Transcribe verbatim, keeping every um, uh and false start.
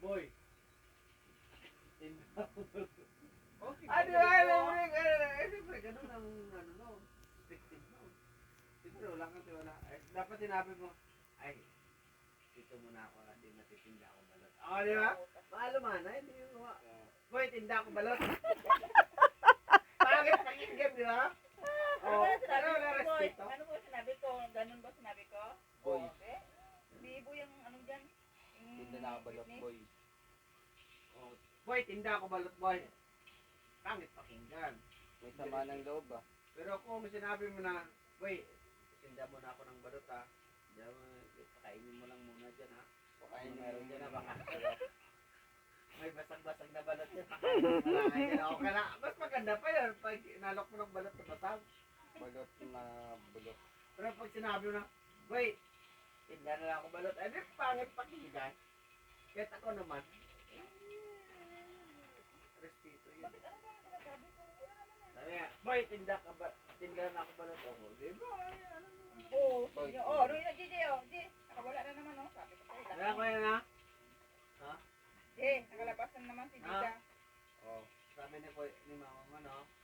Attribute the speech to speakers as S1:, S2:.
S1: Boy. Tinda ko balot.
S2: Okay.
S1: Ah, di ba? Alam mo rin, eh, siyempre, ganun ang, ano, no, perspective mo. Siyempre, wala kang tiwala. Eh, dapat sinabi mo, ay, dito muna ako kasi natitinda ako balot. Oo, di ba? Maaluman, ay, hindi mo. Boy, tinda ako balot. Pangit pakinggan, di ba?
S3: Ano
S1: Oh,
S3: ba sinabi
S1: pero
S3: ko,
S1: wala
S3: boy?
S1: respeto.
S3: Ano ba sinabi ko? Ganun ba sinabi ko?
S2: Boy.
S3: Okay. Bibo yung ano dyan. Yung
S2: Tinda na balot,
S3: fitness.
S2: boy.
S1: Oh, boy, tinda ako balot, boy. Pangit pakinggan.
S2: May sama ng loob ah.
S1: Pero kung sinabi mo na, boy, tinda mo na ako ng balot ha. Diyan mo, pakainin mo lang muna dyan ha. Pakainin mo meron dyan ha, baka may basag-basag na balot yan. Pakainin mo lang dyan. Okay na. Mas maganda pa yun pag inalok mo ng balot na basag.
S2: Balot na bulot.
S1: Pero pag sinabi mo na, boy, tinda na lang ako balot. Eh, di pangit pakinggan. Kahit ako naman, respeto yun.
S3: Bakit ano ba ang sinasabi ko? Wala naman yan.
S1: Sabi nga, boy, tinda ka ba? Tinda na ako balot ako. Di ba? Ay, ano mo?
S3: Oo.
S2: Boy.
S3: sige. Oh, doon na J J oh. J, nakawala na naman oh. Sabi ko sa'yo.
S1: Kaya ko yan ha?
S3: J, nakalabas na naman si Dita.
S1: Oh, sabi ni, boy, ni mama mo, no?